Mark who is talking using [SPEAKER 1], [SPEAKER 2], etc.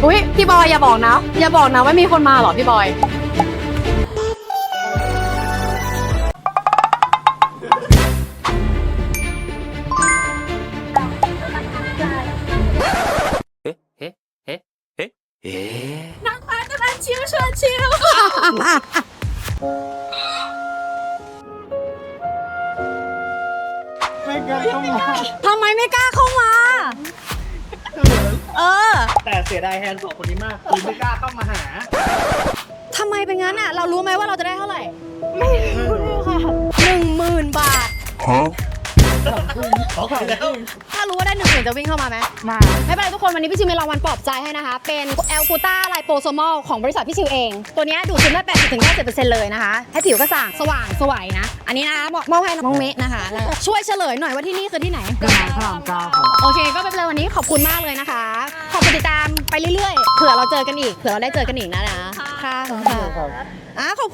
[SPEAKER 1] อุ้ยพี่บอยอย่าบอกนะอย่าบอกนะว่ามีคนมาเหรอพี่บอยนางฟ้ากำลังชิวชวนชิว
[SPEAKER 2] ไม่กล้าเข้ามา
[SPEAKER 1] ทำไมไม่กล้าเข้ามา
[SPEAKER 2] แต่เสียดายแทนสองคนนี้มากคือไม่กล้าเข้ามาหา
[SPEAKER 1] ทำไมเป็นงั้นอ่ะเรารู้ไหมว่าเราจะได้เท่าไหร่ไม่รู้ค่ะ10,000 บาท
[SPEAKER 2] ขอขายแล้ว
[SPEAKER 1] ถ้ารู้ว่าได้10,000จะวิ่งเข้ามาไหมมาไม่เป็นไรทุกคนวันนี้พี่ชิวมีรางวัลปลอบใจให้นะคะเป็นแอลกูต้าไลโปโซมอลของบริษัทพี่ชิวเองตัวนี้ดูดซึมได้ 80-90% เลยนะคะให้ผิวกระจ่างสว่างสวยนะอันนี้นะคะมอบให้น้องเมะนะคะช่วยเฉลยหน่อยว่าที่นี่คือที่ไหนโอเคก็เป็นเลยวันนี้ขอบคุณมากเลยนะคะขอบคุณติดตามไปเรื่อยๆเผื่อเราเจอกันอีกเผื่อเราได้เจอกันอีกนะค่ะขอบคุณค่ะขอบ